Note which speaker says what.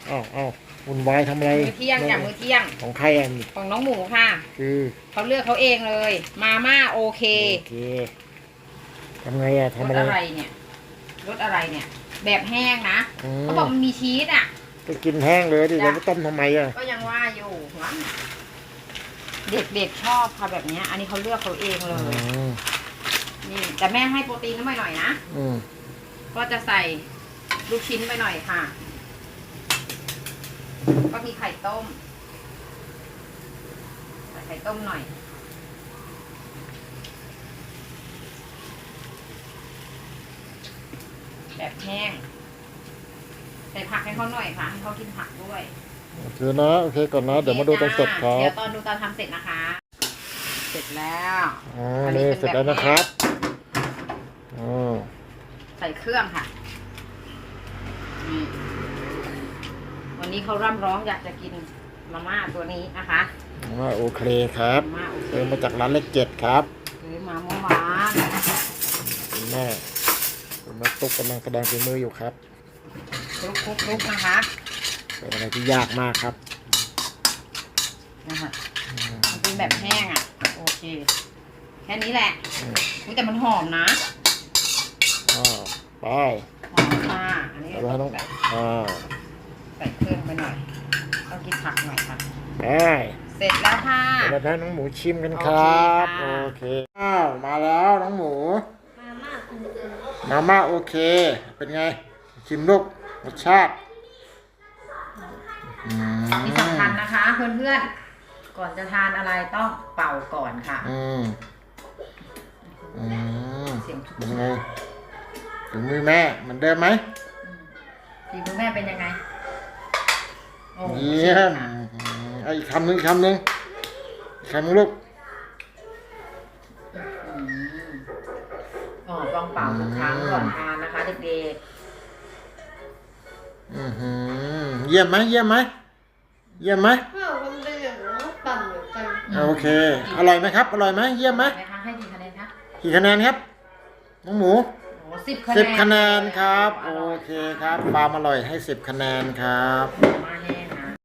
Speaker 1: อ้าววุ่นวายทำอะไร
Speaker 2: มื้อเที่ยงจากมื้อเที่ยง
Speaker 1: ของใครอ่ะ
Speaker 2: ของน้องหมูค่ะ
Speaker 1: คือ
Speaker 2: เขาเลือกเขาเองเลยมาม่าโอเค
Speaker 1: ทำไงอ่ะทำ
Speaker 2: รส
Speaker 1: อะไร
Speaker 2: อะไรเนี่ยรสอะไรเนี่ยแบบแห้งนะเขาบอกมันมีชีสอ่ะ
Speaker 1: ก็กินแห้งเลยดิเราไม่ต้มทำไมอ่ะ
Speaker 2: ก็ยังว่าอยู่ว่าเด็กๆชอบค่ะแบบนี้อันนี้เขาเลือกเขาเองเลยนี่แต่แม่ให้โปรตีนเข้าไปหน่อยนะก็จะใส่ลูกชิ้นไปหน่อยค่ะก็มีไข่ต้มใส่ไข่ต้มหน่อยแบบแห้งใส่ผักให้เขาหน่อยค่ะให้เขากินผักด้วย
Speaker 1: โอเคนะโอเคก่อนนะเดี๋ยวมาดูตอนเสร็จครับ
Speaker 2: เดี๋ยวตอนดูตอนทำเสร็จนะคะเสร็จแล้ว
Speaker 1: นี่เสร็จแล้วนะครับ
Speaker 2: ใส่เครื่องค่ะวันนี้เขาร่ำร้องอยากจะกินมาม่าตัวนี้นะคะ
Speaker 1: มาม่าโอเคครับซื้อมาจากร้านเลข7ครับ
Speaker 2: ซื้อมาเมื่อวาน
Speaker 1: คุณแม่ตุ๊กกำลังแสดงฝีมืออยู่ครับ
Speaker 2: คลุกนะคะ
Speaker 1: เป็นอะไรที่ยากมากครับ
Speaker 2: นะคะมันเป็นแบบแห้งอ่ะโอเคแค่นี้แหละแต่มันหอมนะ
Speaker 1: ไป
Speaker 2: หอมค่ะอันนี้
Speaker 1: ต้อง
Speaker 2: ใส่เครื่องไปหน่อยต้องกินผักหน่อยค่ะเสร็จแล้วค่ะ
Speaker 1: เดี๋ยวให้น้องหมูชิมกันครับโอเคมาแล้วน้องหมูมาม่าโอเคเป็นไงชิมลูกรสชาติ
Speaker 2: นี่สำคัญนะคะเพื่อนๆก่อนจะทานอะไรต้องเป่าก่อนค่ะเสียง
Speaker 1: เป็นไงถึงมือแม่เหมือนเดิมไหม
Speaker 2: ฝีมือแม่เป็นยังไง
Speaker 1: เยี่ยมอีกคำหนึ่งลูก
Speaker 2: ต้องเป่าทุกครั้งก่อนทานนะคะเด็ก
Speaker 1: เยี่ยมไหมโอเคอร่อยไหมครับอร่อยไหมเยี่ยมไหม
Speaker 2: ให้กี่คะแนนคะ
Speaker 1: กี่คะแนนครับน้องหมู
Speaker 2: 10 คะแนน
Speaker 1: ครับโอเคครับความอร่อยให้10 คะแนนครับ
Speaker 2: มาแห้ง